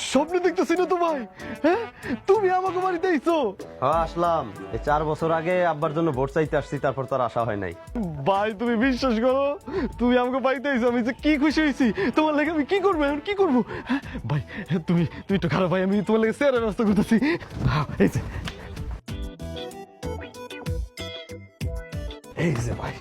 স্বপ্ন দেখতেছি না তো ভাই। হ্যাঁ, তুমি আমাকে বাড়িতে আইছো? হ্যাঁ আসলাম, এই 4 বছর আগে আব্বার জন্য ভোট চাইতে আসছি, তারপর তার আশা হয় নাই। ভাই তুমি বিশ্বাস করো, তুমি আমাকে বাড়িতে আইছো, আমি যে কি খুশি হয়েছি। তোমার লাগে আমি কি করবো, এখন কি করবো? হ্যাঁ, ভাই তুমি তুমি একটু খারাপ ভাই, আমি তোমার লাগে চেয়ারের ব্যবস্থা করতেছি। এই যে এই যে ভাই।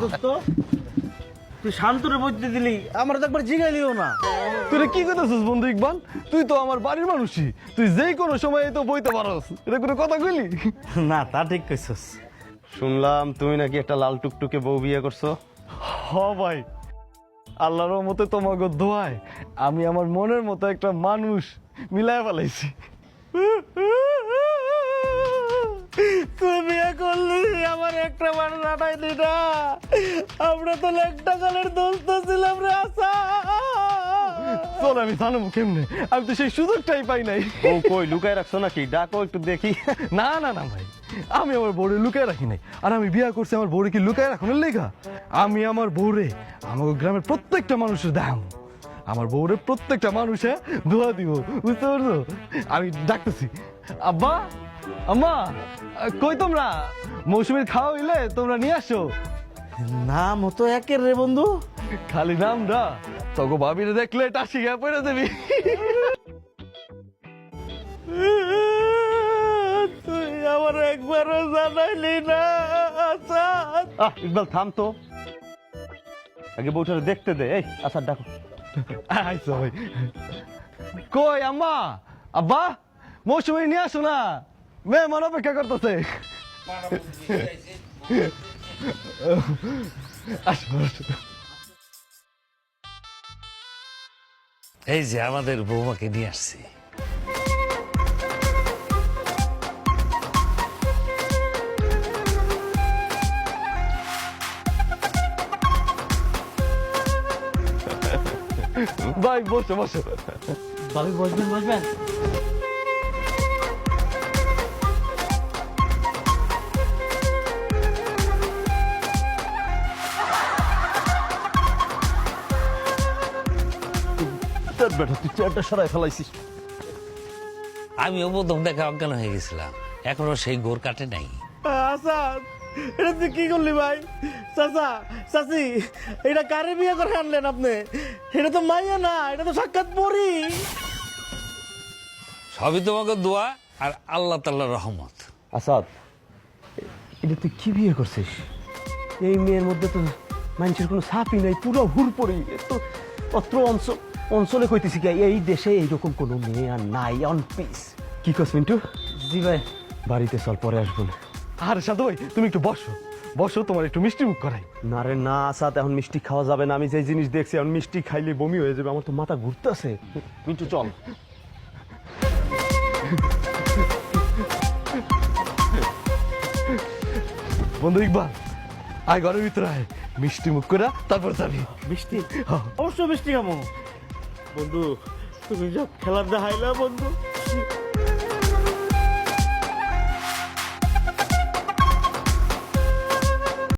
তুই শান্তরে বইতে দিলি, আমার তো একবার জিগাইলিও না। তুই কি করতেছিস বন্ধু ইকবাল? তুই তো আমার বাড়ির মানুষই, তুই যেই কোনো সময় তো বইতে পারস, এটা কোনো কথা কইলি? না, তা ঠিক কইছস। শুনলাম তুমি নাকি একটা লাল টুকটুকে বউ বিয়ে করছো। হ ভাই, আল্লাহর রহমতে তোমাকে দোয়ায় আমি আমার মনের মতো একটা মানুষ মিলায় ফেলাইছি। তুই বিয়ে করলি, আমার একটা মানুষ আটাইলি না। আমরা তো একটা কালের দোস্ত ছিলাম রে। আসা চল, আমি জানাবো কেমনে? আমি তো সেই সুযোগটাই পাই নাই। ও কই লুকায় রাখছো নাকি? ডাকো একটু দেখি। না না না ভাই, আমি আমার বউরে লুকায় রাখি নাই। আর আমি বিয়া করছি আমার বউরে কি লুকায় রাখনের লেগা? আমি আমার বউরে আমাকে গ্রামের প্রত্যেকটা মানুষের দাম, আমার বউরে প্রত্যেকটা মানুষে দোয়া দিব, বুঝতে পারছো? আমি ডাকতেছি, আব্বা আম্মা কই তোমরা? মৌসুমীর খাওয়া হইলে তোমরা নিয়ে আসো। নাম হতো একের রে বন্ধু। খালি নামটা তোকে ভাবিরে দেখলে টাসি গা পড়ে দেবি। তুই আমার একবারও জানাইলি না। আচ্ছা ইকবাল থাম তো, আগে বউটারে দেখতে দে। এই আচ্ছা ডাকো। আইসো ভাই। কই আম্মা আব্বা, মৌসুমী নিয়ে আসো না, মেহমান অপেক্ষা করতেছে। আসো আসো। এই যে আমাদের বৌমাকে নিয়ে আসছি। ভাই বসো বসো। ভাবি বসবেন বসবেন। বেটা তুই চেয়ারটা সরাই ফেলাইছিস। আমিও প্রথম দেখা অজ্ঞান হয়ে গেছিলাম, এখনো সেই গোর কাটে নাই। আচ্ছা, এটা তুই কি করলি ভাই? চাচা চাচি, এটা কারে বিয়ে করে আনলেন আপনি? এটা তো মাইয়া না, এটা তো সাক্ষাৎ পরি। সবই তোমাকে দোয়া আর আল্লাহ তাআলার রহমত। আসাদ, এটা তুই কি বিয়ে করছিস? এই মেয়ের মধ্যে তো মানুষের কোনো ছাপই নাই, পুরো হুড়পড়ি। তো অত্র অঞ্চলে কইতেছি কি এই দেশে এইরকম কোনো মেয়ে আর নাই, অন পিস। কি কস মিন্টু? জি ভাই। বাড়িতে চল, পরে আসবো না। আরে সাধু ভাই তুমি একটু বসো বসো, তোমার একটু মিষ্টি মুখ করাই। না রে না আসাদ, এখন মিষ্টি খাওয়া যাবে না। আমি যে জিনিস দেখছি এখন মিষ্টি খাইলে বমি হয়ে যাবে, আমার তো মাথা ঘুরতেছে। মিন্টু চল। বন্ধু ইকবাল, আয় ঘরের ভিতরে আয়, মিষ্টি মুখ করা তারপর যাবি। বৃষ্টি? অবশ্য বৃষ্টি কেমন বন্ধু? তুমি যা খেলার দেখাইলা বন্ধু,